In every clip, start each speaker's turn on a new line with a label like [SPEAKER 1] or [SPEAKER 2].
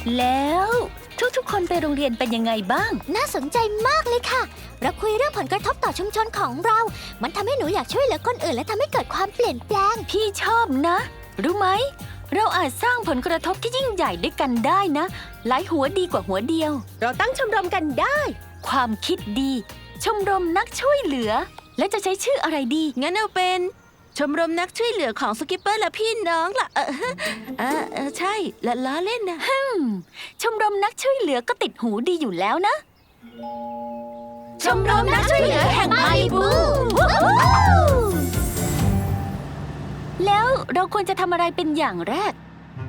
[SPEAKER 1] แล้วทุกๆคนไปโรงเรียนเป็นยังไงบ้าง
[SPEAKER 2] น่าสนใจมากเลยค่ะ เราคุยเรื่องผลกระทบต่อชุมชนของเรา มันทำให้หนูอยากช่วยเหลือคนอื่นและทำให้เกิดความเปลี่ยนแปลง
[SPEAKER 1] พี่ชอบนะ รู้ไหม เราอาจสร้างผลกระทบที่ยิ่งใหญ่ด้วยกันได้นะ หลายหัวดีกว่าหัวเดียว
[SPEAKER 3] เราตั้งชมรมกันได้
[SPEAKER 1] ความคิดดี ชมรมนักช่วยเหลือ และจะใช้ชื่ออะไรดี
[SPEAKER 4] งั้นเอาเป็นชมรมนักช่วยเหลือของสกิปเปอร์และพี่น้องล่ะใช่และล้อเล่นนะ
[SPEAKER 1] ชมรมนักช่วยเหลือก็ติดหูดีอยู่แล้วนะ
[SPEAKER 2] ชมรมนักช่วยเหลือแห่งมาลิบู
[SPEAKER 1] แล้วเราควรจะทำอะไรเป็นอย่างแรก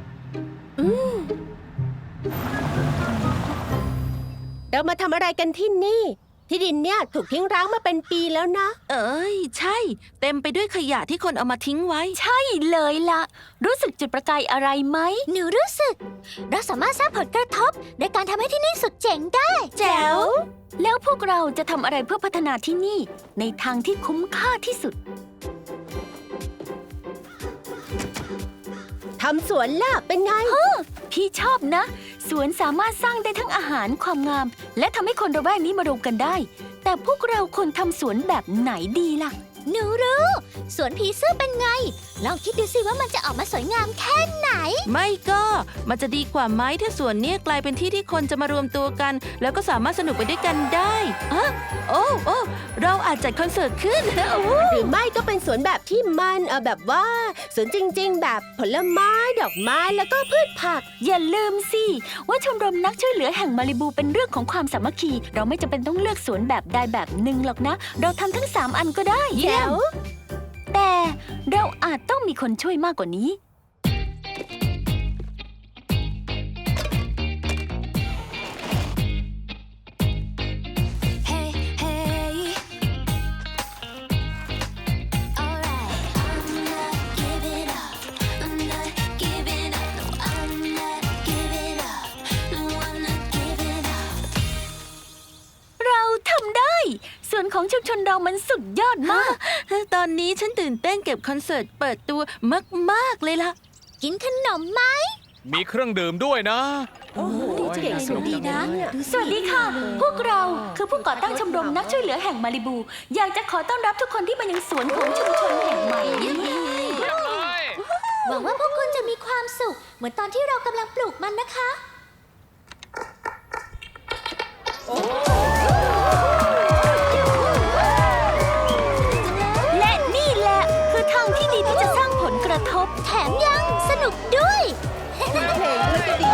[SPEAKER 3] เรามาทำอะไรกันที่นี่ ที่ดินเนี่ยถูกทิ้งร้างมาเป็นปีแล้วนะ
[SPEAKER 4] เอ้ยใช่ เต็มไปด้วยขยะที่คนเอามาทิ้งไว้
[SPEAKER 1] ใช่เลยล่ะ รู้สึกจุดประกายอะไรไหม
[SPEAKER 2] หนูรู้สึก เราสามารถสร้างผลกระทบโดยการทำให้ที่นี่สุดเจ๋งได้
[SPEAKER 4] แจ๋ว
[SPEAKER 1] แล้วพวกเราจะทำอะไรเพื่อพัฒนาที่นี่ ในทางที่คุ้มค่าที่สุด
[SPEAKER 3] ทำสวนล่ะเป็นไง
[SPEAKER 1] พี่ชอบนะ สวนสามารถสร้างได้ทั้งอาหารความงาม และทำให้คนระแวกนี้มารวมกันได้ แต่พวกเราควรทำสวนแบบไหนดีล่ะ
[SPEAKER 2] หนูรู้สวนผีเสื้อเป็นไง ลองคิดดูสิว่ามันจะออกมาสวยงามแค่ไหน
[SPEAKER 4] ไม่ก็มันจะดีกว่าไหมถ้าสวนเนี้ยกลายเป็นที่ที่คนจะมารวมตัวกัน แล้วก็สามารถสนุกไปด้วยกันได้โอ้เราอาจจัดคอนเสิร์ตขึ้น
[SPEAKER 3] หรือไม่ก็เป็นสวนแบบที่มันแบบว่าสวนจริงๆ แบบผลไม้ดอกไม้แล้วก็พืชผัก
[SPEAKER 1] อย่าลืมสิว่าชมรมนักช่วยเหลือแห่งมาลิบูเป็นเรื่องของความสามัคคี เราไม่จำเป็นต้องเลือกสวนแบบใดแบบหนึ่งหรอกนะ เราทำทั้ง3 อันก็ได้
[SPEAKER 3] แจ๋ว
[SPEAKER 1] แต่เราอาจต้องมีคนช่วยมากกว่านี้
[SPEAKER 2] Hey hey alright I'm not giving up I'm not giving up no I'm not giving up no I'm not giving up
[SPEAKER 1] เราทำได้ ส่วนของชุมชนเรามันสุดยอดมาก
[SPEAKER 4] ตอนนี้ฉันตื่นเต้นเก็บคอนเสิร์ตเปิดตัวมากๆเลยล่ะ
[SPEAKER 2] กินขนมไหม
[SPEAKER 5] มีเครื่องดื่มด้วยนะ
[SPEAKER 3] โอ้โห
[SPEAKER 5] เก่งสนุกดีนะ
[SPEAKER 1] สวัสดีค่ะ พวกเราคือผู้ก่อตั้งชมรมนักช่วยเหลือแห่งมาลิบู อยากจะขอต้อนรับทุกคนที่มายังสวนของชุมชนแห่งใหม่นี้
[SPEAKER 2] หวังว่าพวกคุณจะมีความสุข เหมือนตอนที่เรากำลังปลูกมันนะคะ
[SPEAKER 1] และนี่แหละคือทางที่ดีที่จะสร้างผลกระทบ
[SPEAKER 2] แถมยังสนุกด้วย
[SPEAKER 3] เพลงด้วยก็ดี